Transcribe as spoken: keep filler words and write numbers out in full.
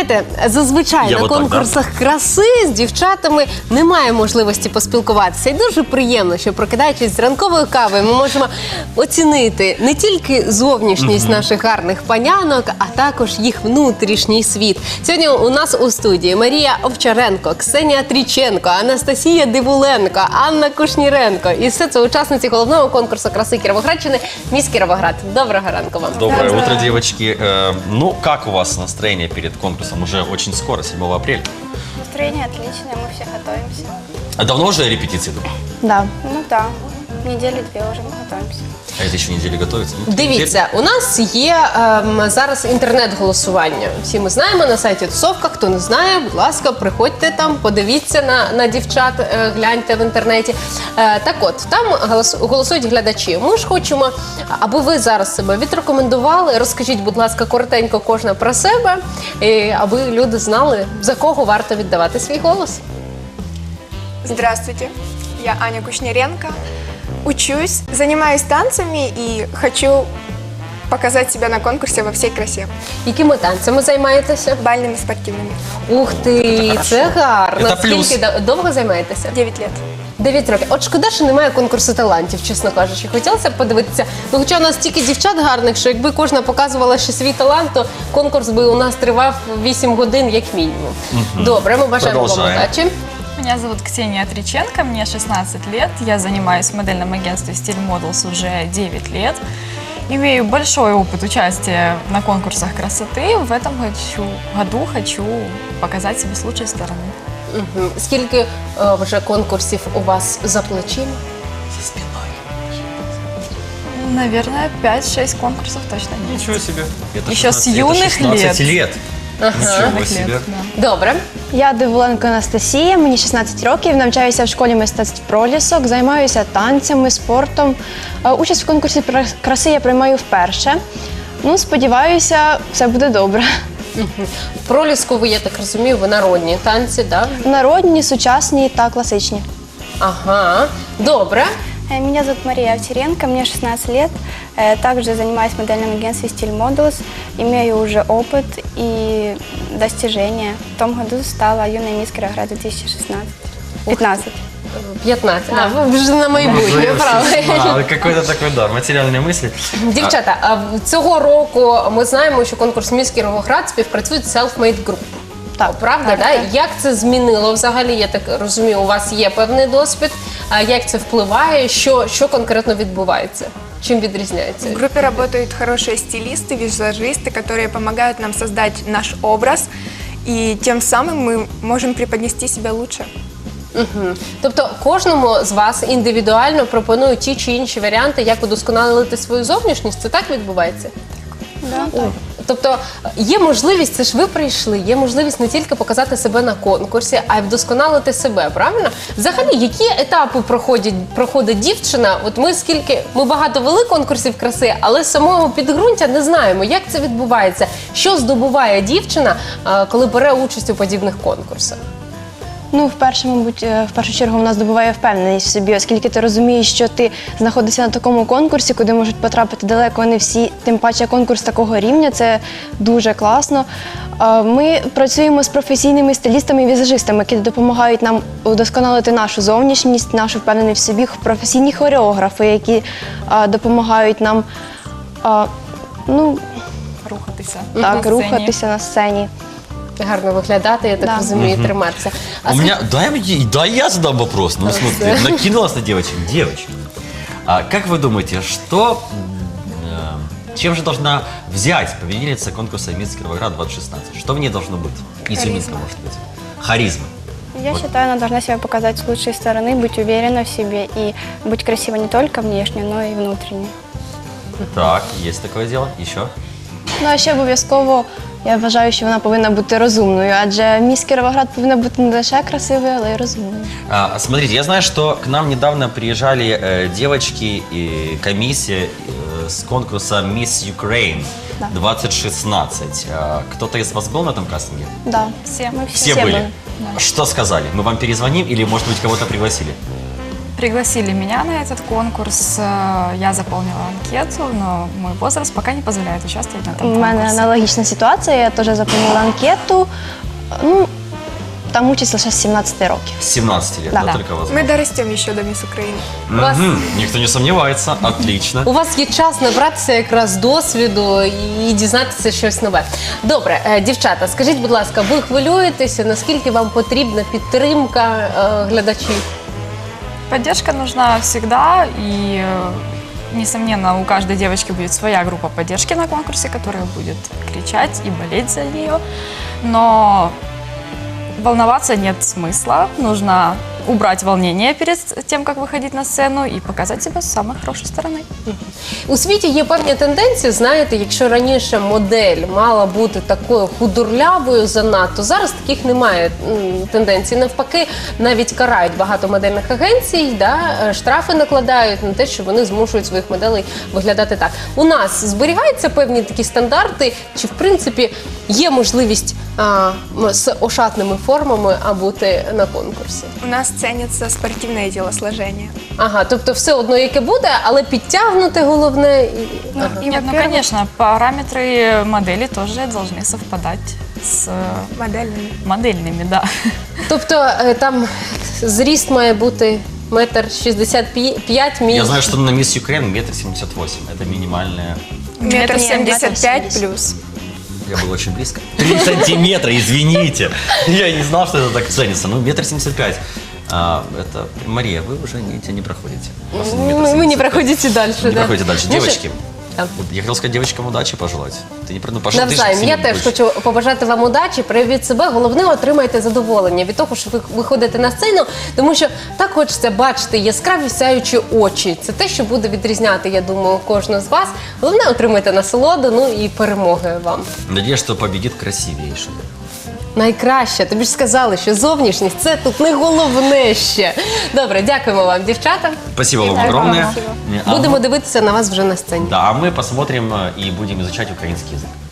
Знаєте, зазвичай Я на вот так, конкурсах краси з дівчатами немає можливості поспілкуватися. І дуже приємно, що прокидаючись з ранковою кавою, ми можемо оцінити не тільки зовнішність наших гарних панянок, а також їх внутрішній світ. Сьогодні у нас у студії Марія Овчаренко, Ксенія Тріченко, Анастасія Дивуленко, Анна Кушніренко. І все це учасниці головного конкурсу краси Кіровоградщини «Міс Кіровоград». Доброго ранку вам. Доброе утро, девочки. Э, ну, как у вас настроение перед конкурсом? Уже очень скоро, седьмого апреля. Настроение отличное, мы все готовимся. А давно уже репетиции идут? Да. Ну да, недели две уже мы готовимся. А это еще недели готовится? Ну, Дивіться, у нас є ем, зараз інтернет-голосування. Всі ми знаємо на сайті Тусовка. Хто не знає, будь ласка, приходьте там, подивіться на, на дівчат, е, гляньте в інтернеті. Е, так от, там голос, голосують глядачі. Ми ж хочемо, аби ви зараз себе відрекомендували. Розкажіть, будь ласка, коротенько кожна про себе, і аби люди знали, за кого варто віддавати свій голос. Здравствуйте, я Аня Кушниренко. Учусь, занимаюсь танцами и хочу показать себя на конкурсе во всей красе. Якими танцями займаєтеся? Бальными спортивными. Ух ти, це гарно. Це плюс. Скільки до- довго займаєтеся? девять лет. Дев'ять років. От шкода, що немає конкурсу талантів, чесно кажучи. Хотілося б подивитися. Ну, хоча у нас стільки дівчат гарних, що якби кожна показувала ще свій талант, то конкурс би у нас тривав вісім годин як мінімум. Добре, ми бажаємо вам Продовжаємо. удачі. Меня зовут Ксения Триченко, мне шестнадцать лет, я занимаюсь в модельном агентстве Style Models уже девять лет. Имею большой опыт участия на конкурсах красоты. В этом хочу, году хочу показать себя с лучшей стороны. Мгм. Скільки е, вже конкурсів у вас за плечима? За спиной. Наверное, пять-шесть конкурсов точно есть. Ничего себе. Это Еще с шестнадцать это юных шестнадцать лет. лет. Ничего Лет, себе. да. Добре. Я Дивуленко Анастасія, мені шістнадцять років, навчаюся в школі мистецтв «Пролісок», займаюся танцями, спортом. Е, Участь в конкурсі пра- краси я приймаю вперше. Ну, сподіваюся, все буде добре. В проліску ви, я так розумію, ви народні танці, так? Да? Народні, сучасні та класичні. Ага, добре. Э, Меня зовут Мария Овчаренко, мне шестнадцать лет. Э, Также занимаюсь в модельном агентстве Style Models. Имею уже опыт и достижения. В том году стала юной мисс Кировоград две тысячи шестнадцать. пятнадцать. п'ятнадцять. А, ви вже на майбутнє, правильно. А, какой-то такой, да, материальные мысли. Дівчата, а в- цього року ми знаємо, що конкурс «Міс Кіровоград» співпрацює з Self-Made Group. Так, Правда, да? Як це змінило взагалі? Я так розумію, у вас є певний досвід. А як це впливає? Що, що конкретно відбувається? Чим відрізняється? В группе работают хорошие стилисты, визажисты, которые помогают нам создать наш образ, и тем самым мы можем преподнести себя лучше. Мгм. Тобто кожному з вас індивідуально пропонують ті чи інші варіанти, як удосконалити свою зовнішність? Це так відбувається? Да. Тобто є можливість, це ж ви прийшли, є можливість не тільки показати себе на конкурсі, а й вдосконалити себе, правильно? Взагалі, які етапи проходять, проходить дівчина? От ми скільки, ми багато вели конкурсів краси, але самого підґрунтя не знаємо, як це відбувається, що здобуває дівчина, а, коли бере участь у подібних конкурсах. Ну, вперше, мабуть, е, в першу чергу вона здобуває впевненість в собі, оскільки ти розумієш, що ти знаходишся на такому конкурсі, куди можуть потрапити далеко не всі, тим паче конкурс такого рівня, це дуже класно. Е, Ми працюємо з професійними стилістами і візажистами, які допомагають нам удосконалити нашу зовнішність, нашу впевненість в собі, професійні хореографи, які е, допомагають нам е, ну, Рухатися. так, на сцені. рухатися на сцені. Гарно виглядати, я так Да. розумію, і триматися. А У меня, дай, мне- дай я задам вопрос. Ну, смотри, накинулась на девочек. Девочки, а как вы думаете, что, э, чем же должна взять победительница конкурса «Мисс Кировоград двадцать шестнадцать»? Что в ней должно быть? Изюминка, может быть. Харизма. Я Вот. считаю, она должна себя показать с лучшей стороны, быть уверена в себе и быть красивой не только внешне, но и внутренне. Так, есть такое дело. Еще? Ну, а ще обов'язково я вважаю, що вона повинна бути розумною, адже міс Кіровоград повинна бути не лише красивою, але й розумною. А, смотрите, я знаю, что к нам недавно приезжали э, девочки и комиссия э, с конкурса «Мисс Ukraine» Да. двадцать шестнадцать. А, кто-то из вас был на этом кастинге? Да. Все. Мы Все, Все были. были. Что сказали? Мы вам перезвоним или, может быть, кого-то пригласили? Пригласили меня на этот конкурс, э, я заполнила анкету, но мой возраст пока не позволяет участвовать на этом У конкурсе. мене аналогічна ситуація, я теж заповнила анкету. Ну, там участь лише з сімнадцяти років. С семнадцати лет, Да. да, Да. только возможно. Мы дорастем еще до Мисс Украины. У вас- Мгм. Никто не сомневается, отлично. У вас є час набратися якраз досвіду і дізнатися щось нове. Добре, е, дівчата, скажіть, будь ласка, ви хвилюєтеся, наскільки вам потрібна підтримка е, глядачів? Поддержка нужна всегда, и, э, несомненно, у каждой девочки будет своя группа поддержки на конкурсе, которая будет кричать и болеть за нее. Но волноваться нет смысла. Нужно убрать волнение перед тем, как выходить на сцену, и показать себя с самой хорошей стороны. У світі є певні тенденції, знаєте, якщо раніше модель мала бути такою худорлявою занадто, зараз таких немає м, тенденцій. Навпаки, навіть карають багато модельних агенцій, да, е, штрафи накладають на те, що вони змушують своїх моделей виглядати так. У нас зберігаються певні такі стандарти, чи в принципі є можливість а, м, з ошатними формами а бути на конкурсі? У нас ценится спортивное телосложение. Ага, тобто все одно яке буде, але підтягнути головне. І... Ага. И, Нет, ну, во-первых, конечно, параметры модели тоже должны совпадать с э, модельными. модельными, да. Тобто е, там зріст має бути метр шістдесят п'ять мій. Я знаю, что на Мисс Юкрейн метр семьдесят восемь. Это минимальная. Метр Метр семьдесят пять семьдесят. плюс. Я был очень близко. Три сантиметра, извините. Я не знал, что это так ценится. Ну, метр семьдесят пять. А, это, Мария, вы уже не, не проходите. У вас метр Ми, ми не семьдесят пять. проходите далі. Не да. проходите дальше. Знаєш, Девочки, Да. вот я хотел сказать девочкам удачи пожелать. Ты не про- ну, пошла, ты же Навзаєм. Я сильно теж будешь. хочу побажати вам удачі, проявіть себе. Головне, отримайте задоволення від того, що ви виходите на сцену, тому що так хочеться бачити яскраві сяючі очі. Це те, що буде відрізняти, я думаю, кожного з вас. Головне, отримайте насолоду, ну і перемоги вам. Надеюсь, что победит красивейший. Найкраще. Тобі ж сказали, що зовнішність – це тут не головне ще. Добре, дякуємо вам, дівчата. Спасибо вам Спасибо. огромное. А Будемо мы- дивитися на вас вже на сцені. Да, а мы посмотрим э, и будем изучать украинский язык.